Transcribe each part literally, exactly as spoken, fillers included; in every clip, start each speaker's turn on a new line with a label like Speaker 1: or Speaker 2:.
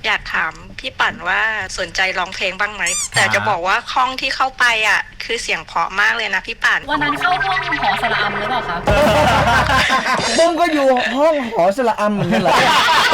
Speaker 1: อยากถามพี่ปั่นว่าสนใจร้องเพลงบ้างไหมแต่จะบอกว่าห้องที่เข้าไปอ่ะคือเสียงเพราะมากเลยนะพี่ปั่น
Speaker 2: วันนั้นเข้าห้องหอสระอัมหรือเปล่าคะ
Speaker 3: ปุ้มก็อยู่ห้องหอสระอัมเหมือนกันเหรอ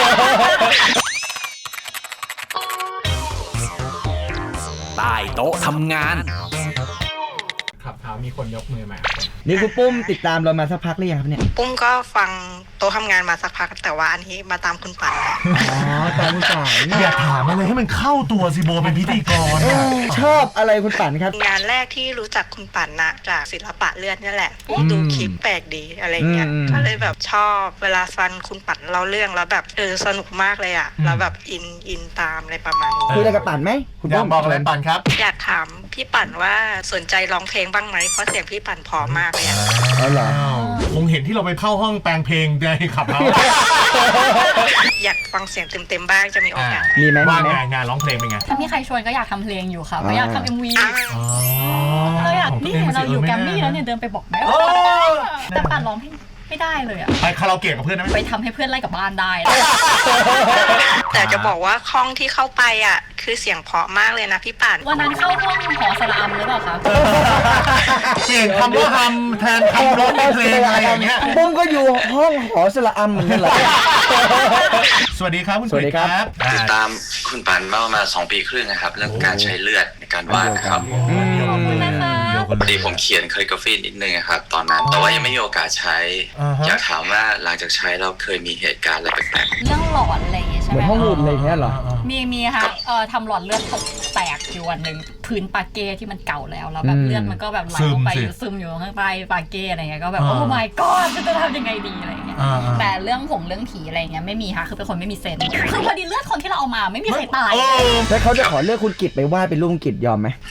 Speaker 4: ใต้โต๊ะทำงาน
Speaker 5: ขับเท้ามีคนยกมือมา
Speaker 3: นี่คุณปุ้มติดตามเรามาสักพักหรือยังครับเนี่ย
Speaker 1: ปุ้มก็ฟังโต๊ะทำงานมาสักพักแต่ว่าอันนี้มาตามคุณปั่น
Speaker 3: อ๋อตามคุณปั่น
Speaker 5: อย่าถามอะไรให้มันเข้าตัวสิโบเป็นพิธีกร
Speaker 3: ชอบอะไรคุณปั่นครับ
Speaker 1: งานแรกที่รู้จักคุณปั่นนะจากศิลปะเลือดนี่แหละดูคลิปแปลกดีอะไรเงี้ยก็เลยแบบชอบเวลาฟังคุณปั่นเล่าเรื่องแล้วแบบเออสนุกมากเลยอ่ะแล้วแบบอินอินตามอะไรประมาณนี้
Speaker 3: คุยอะไรกับปั่นไหม
Speaker 5: คุณปุ้มบอกอะไรปั่นครับ
Speaker 1: อยากถามพี่ปั่นว่าสนใจร้องเพลงบ้างไหมเพราะเสียงพี่ปั่นพอมากเลยอ่ะ
Speaker 3: อ๋อเหรอ
Speaker 5: คงเห็นที่เราไปเข้าห้องแปลงเพลงในขับเท้า
Speaker 1: อยากฟังเสียงเต็มๆบ้างจะมีโอกาส
Speaker 3: มีไหม
Speaker 5: ว่างานงานร้องเพลงเป็นไง
Speaker 2: ถ้ามีใครชวนก็อยากทำเพลงอยู่ค่ะก็อยากทำเอ็มวีเราอยากนี่เราอยู่แกรมมี่แล้วเนี่ยเดินไปบอกแม่แต่ปั่นร้องเพลงไม่ได้เลยอะ
Speaker 5: ไปคาราโอเกะกับเพื่อนนะ
Speaker 2: ไปทำให้เพื่อนไล่กลับบ้านได้
Speaker 1: แต่จะบอกว่าห้องที่เข้าไปอ่ะคือเสียงเพราะมากเลยนะพี่ปั่น
Speaker 2: วันนั้นเข้าห้องหอสระอัมหรือเปล่าคะ
Speaker 5: เปลี่ยนคำว่าทำแทนคำร้องเพลงอะไรอย่างเงี้ย
Speaker 3: ปุ้มก็อยู่ห้องหอสระอัมเหมือนกันเหรอ
Speaker 5: สวัสดีครับคุณ
Speaker 3: สวัสดีครับ
Speaker 6: ติดตามคุณปั่นมาประมาณสองปีครึ่งนะครับเรื่องการใช้เลือดในการวาดนะครับ
Speaker 2: ขอบคุณนะคะ
Speaker 6: พอดีผมเขียนคาลิกราฟีนิดนึงครับตอนนั้นแต่ว่ายังไม่มีโอกาสใช้อยากถามว่าหลังจากใช้เราเคยมีเหตุการณ์อะไรแปลก
Speaker 2: ๆเรื่องหลอนอะไรอย่างเงี้ยใช่ไหม
Speaker 3: เหมือนห้องหุ่นอะไรเงี้ยเหรอ
Speaker 2: มีมีค่ะเอ่อทำหลอดเลือดแตกอยู่วันหนึ่งพื้นปาเก้ที่มันเก่าแล้วแล้วแบบเลือดมันก็แบบไหลลงไปซึมอยู่ข้างใต้ปาเก้อะไรเงี้ยก็แบบโอ้ my god จะทำยังไงดีอะไรเงี้ยแต่เรื่องผงเรื่องผีอะไรเงี้ยไม่มีค่ะคือเป็นคนไม่มีเซนส์คือพอดีเลือดคนที่เราเอามาไม่มีใครตาย
Speaker 3: แล้วเขาจะขอเลือกคุณกิตไปวาดเป็นรูปกิตยอมไหม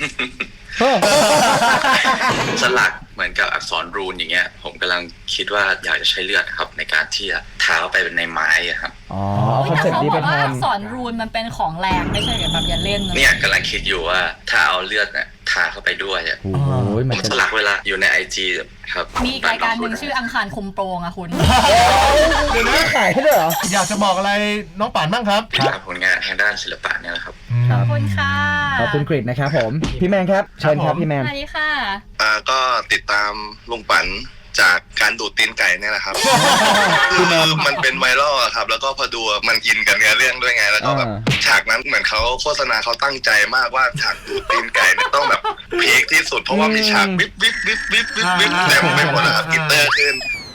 Speaker 6: สลักเหมือนกับอักษรรูนอย่างเงี้ยผมกำลังคิดว่าอยากจะใช้เลือดครับในการที่จะทาเข้าไปเป็นในไม้ครับ
Speaker 3: อ๋อคอนเซ็ปต์นี้เป็น
Speaker 2: อักษรรูนมันเป็นของแรงไม่ใช่แบบอย่าเล่น
Speaker 6: เนี่ยกำลังคิดอยู่ว่าถ้าเอาเลือดเนี่ยทาเข้าไปด้วยอ่ะผมสลักเวลาอยู่ในไอจีครับ
Speaker 2: มีรายการหนึ่งชื่ออังคารคุมโปรงอะคุณ
Speaker 3: เดี๋ยวนี้ขายให้ด้วยเหรอ
Speaker 5: อยากจะบอกอะไรน้องป่านบ้างครับ
Speaker 6: ครับผลงานทางด้านศิลปะเนี่ยแหละครับ
Speaker 2: ขอบคุณค่ะ
Speaker 3: ขอบคุณกริดนะครับผมพี่แมนครับเชิญครับพี่แมน
Speaker 2: สวัสดีค่ะ
Speaker 7: อ่าก็ติดตามลุงปั่นจากการดูดตีนไก่เนี่ยแหละครับคือมันเป็นไวรัลครับแล้วก็พอดูมันอินกับเนื้อเรื่องด้วยไงแล้วก็แบบฉากนั้นเหมือนเขาโฆษณาเขาตั้งใจมากว่าฉากดูดตีนไก่เนี่ยต้องแบบพีคที่สุดเพราะว่ามีฉากวิบวิบวิบวิบวิบวิบเต็มไปหมดนะครับกิตเตอร์ขึ้น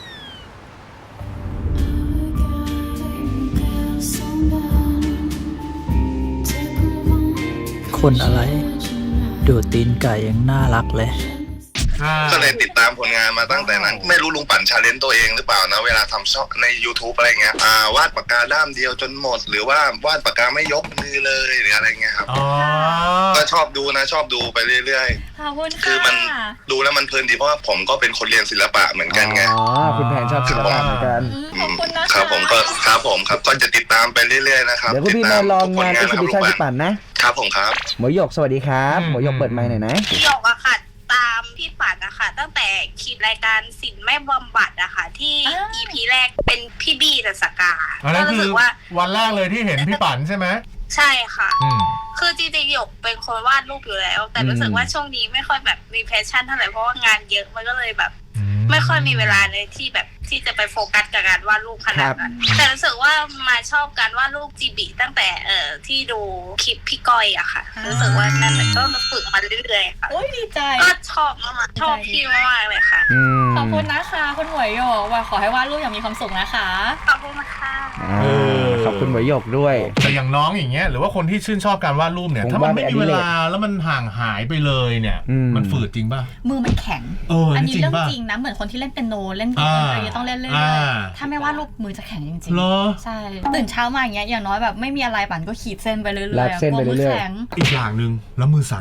Speaker 8: คนอะไรดูดตีนไก่ยังน่ารักเลย
Speaker 7: ก็เลยติดตามผลงานมาตั้งแต่นั้นไม่รู้ลุงปั่นชาเลนจ์ตัวเองหรือเปล่านะเวลาทำช่องใน YouTube อะไรเงี้ยอ่าวาดปากกาด้ามเดียวจนหมดหรือว่าวาดปากกาไม่ยกมือเลยหรืออะไรเงี้ยครับก็ชอบดูนะชอบดูไปเรื่อย
Speaker 2: ๆขอบคุณค่ะ
Speaker 7: คือมันดูแล้วมันเพลินดีเพราะว่าผมก็เป็นคนเรียนศิลปะเหมือนกันไง
Speaker 3: อ๋อคุณแพนชอบศิลปะเหมือนกัน
Speaker 2: ขอบคุณนะคะ
Speaker 7: ครับผมก็ครับผมครับก็จะติดตามไปเรื่อยๆนะครับ
Speaker 3: เดี๋ยวคุณพี่มาลองงานเอ็กซิบิชันพี่ปั่น
Speaker 7: นะครับผมครับ
Speaker 3: หมวยหยกสวัสดีครับหมวยหยกเปิดไมค์หน่อยนะ
Speaker 1: หยกอะค่ะตามพี่ปั่นนะคะตั้งแต่คลิปรายการศิลป์ไม่บำบัดอะค่ะที่ อี พี แรกเป็นพี่บี้ดัสกา
Speaker 5: ก็รู้สึกว่าวันแรกเลยที่เห็นพี่ปั่นใช่ไหม
Speaker 1: ใช่ค่ะคือจริงๆหยกเป็นคนวาดรูปอยู่แล้วแต่รู้สึกว่าช่วงนี้ไม่ค่อยแบบมีแพชชั่นเท่าไหร่เพราะว่างานเยอะมันก็เลยแบบไม่ค่อยมีเวลาเลยที่แบบที่จะไปโฟกัสกับการวาดรูปขนาดนั้นแต่รู้สึกว่ามาชอบการวาดรูปจีบีตั้งแต่เอ่อที่ดูคลิปพี่ก้อยอะค่ะรู้สึกว่านั่นแหละก็ฝึกมาเรื่อยๆค่ะ
Speaker 2: โอ้ยดีใจ
Speaker 1: ก็ชอบมากชอบพี่มากเลยค่ะ
Speaker 2: ขอบคุณนะคะคุณหมวยหยกว่าขอให้วาดรูปอย่างมีความสุขนะคะ
Speaker 1: ขอบคุณค่ะ
Speaker 3: ขอบคุณหมวยหยกด้วย
Speaker 5: แต่อย่างน้องอย่างเงี้ยหรือว่าคนที่ชื่นชอบการวาดรูปเนี่ยถ้ามันไม่มีเวลาแล้วมันห่างหายไปเลยเนี่ยมันฝืดจริงป่ะ
Speaker 2: มือมันแข็งอันนี้เรื่องจริงนะเหมือนคนที่เล่นเปียโนเล่นกีตาร์อะไรต้องเล่นเรื่อยๆถ้าไม่วาดรูปมือจะแข็งจริงๆใช่ตื่นเช้ามาอย่างเงี้ยอย่างน้อยแบบไม่มีอะไรปั่นก็ขีดเส้นไปเรื่อยๆ
Speaker 3: ลากเส้นไปเรื่อย
Speaker 5: ๆอีกอย่างนึงแล้วมือสั่นอ่ะ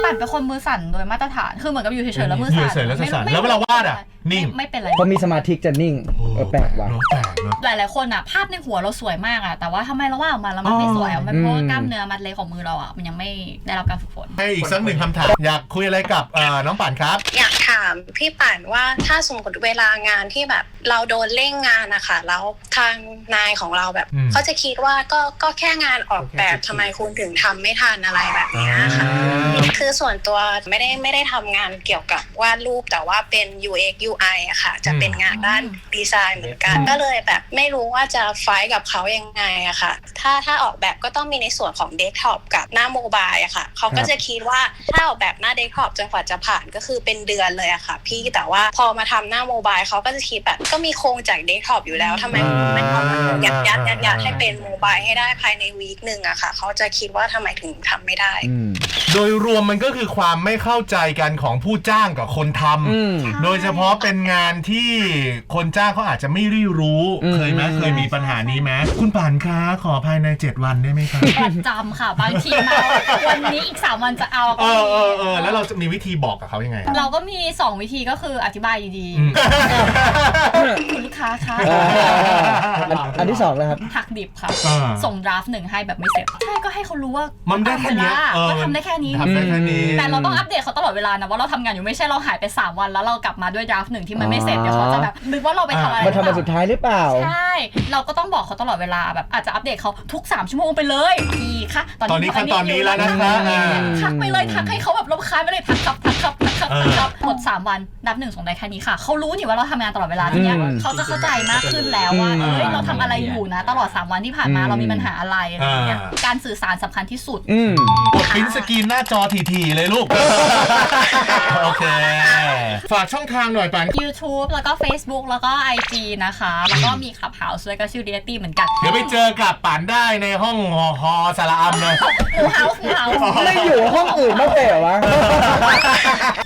Speaker 2: ปั่นเป็นคนมือสั่นโดยมาตรฐานคือเหมือนกับอยู่เฉยๆแล้วมือสั่น
Speaker 5: เฉยๆแล้วสั่นแล้วเวลาวาดอ่ะนิ่ง
Speaker 2: ไม่เป็นไร
Speaker 3: พอมีสมาธิจะนิ่งเออแปลกว่ะ
Speaker 5: แปลกเนอะ
Speaker 2: หลายๆคนอ่ะภาพในหัวเราสวยมากอ่ะแต่ว่าทำไมเราวาดออกมาแล้วมันไม่สวยอ่ะมันเพราะว่ากล้ามเนื้อมัดเล็กของมือเราอ่ะมันยังไม่ได้รับการฝึกฝน
Speaker 5: ให้อีกสักหนึ่งคำถามอยากคุยอะไรกับน้องป่านครับ
Speaker 1: อยากถามพี่ป่านว่าถ้าสมมติเวลางานที่แบบเราโดนเร่งงานนะคะแล้วทางนายของเราแบบเขาจะคิดว่าก็ก็แค่งานออกแบบทำไมคุณถึงทำไม่ทันอะไรแบบนี้ค่ะคือส่วนตัวไม่ได้ไม่ได้ทำงานเกี่ยวกับวาดรูปแต่ว่าเป็น ยู เอ็กซ์ ยู ไอ อะค่ะจะเป็นงานด้านดีไซน์เหมือนกันก็เลยแบบไม่รู้ว่าจะไฟท์กับเขายังไงอะค่ะถ้าถ้าออกแบบก็ต้องมีในส่วนของเดสก์ท็อปกับหน้าโมบายอะค่ะเขาก็จะคิดว่าถ้าออกแบบหน้าเดสก์ท็อปจนกว่าจะผ่านก็คือเป็นเดือนเลยอะค่ะพี่แต่ว่าพอมาทำหน้าโมบายเขาก็จะคิดแบบก็มีโครงจากเดสก์ท็อปอยู่แล้วทำไมไม่เอามายัดยัดยัดยัดให้เป็นโมบายให้ได้ภายในวีคหนึ่งอะค่ะเขาจะคิดว่าทำไมถึงทำไม่ได้
Speaker 5: โดยรวมมันก็คือความไม่เข้าใจกันของผู้จ้างกับคนทำโดยเฉพาะเป็นงานที่คนจ้างเขาอาจจะไม่รีรู้เคยไหมเคยมีปัญหานี้ไหมคุณป่านคะขอภายในเจ็ดวันได้ไหมคะ
Speaker 2: ประจำค่ะบางทีมาวันนี้อีกสามวันจะเอา
Speaker 5: เออเออเออแล้วเราจะมีวิธีบอกกับเขายังไง
Speaker 2: เราก็มีสองวิธีก็คืออธิบายดีๆคุณลูกค้าคะ
Speaker 3: อันที่สองเลยครับ
Speaker 2: หักดิบค่ะส่งดราฟต์หนึ่งให้แบบไม่เสร็จใช่ก็ให้เขารู้ว่า
Speaker 5: มันได้แค่นี้
Speaker 2: ก็ทำได้แค่นี้แต่เราต้องอัปเดตเขาตลอดเวลานะว่าเราทำงานอยู่ไม่ใช่เราหายไปสามวันแล้วเรากลับมาด้วยดราฟต์หนึ่งที่มันไม่เสร็จเดี๋ยวเขาจะแบบนึกว่าเราไปทำอะไร
Speaker 3: มาทำมาสุดท้ายหรือเปล่า
Speaker 2: ใช่เราก็ต้องบอกเขาตลอดเวลาแบบอาจจะอัปเดตเขาทุกสามชั่วโมงไปเลยพี่คะ
Speaker 5: ตอนนี้ขั้นตอนนี้แล้วนะคะ
Speaker 2: ทักไปเลยทักให้เขาแบบรำคาญไปเลยทักครับทักครับทักครับทักครับหมดสามวันดราฟต์หนึ่งส่งได้แค่นี้ค่ะเขารู้นี่ว่าเราทำงานตลอดเวลาทีเนี้ยเขาจะเข้าใจมากขึ้นแล้วว่าเฮ้ยเราทำอะไรอยู่นะตลอดสามวันที่ผ่านมาเรามีปัญหาอะไรอะไรอย่างเงี้ยการสื่อสารสำคัญที่สุด
Speaker 5: กดปริ้นสกรีนหน้าจอทีๆเลยลูกโอเคฝากช่องทางหน่อยปัน
Speaker 2: YouTube แล้วก็ Facebook แล้วก็ ไอ จี นะคะแล้วก็มี Clubhouse ด้วยก็ชื่อ Reality เหมือนกัน
Speaker 5: เดี๋ยวไปเจอกับปันได้ในห้องฮอสาระอัมเลย
Speaker 2: Clubhouse Clubhouse
Speaker 3: ไม่อยู่ห้องอื่นบ้างเหรอวะ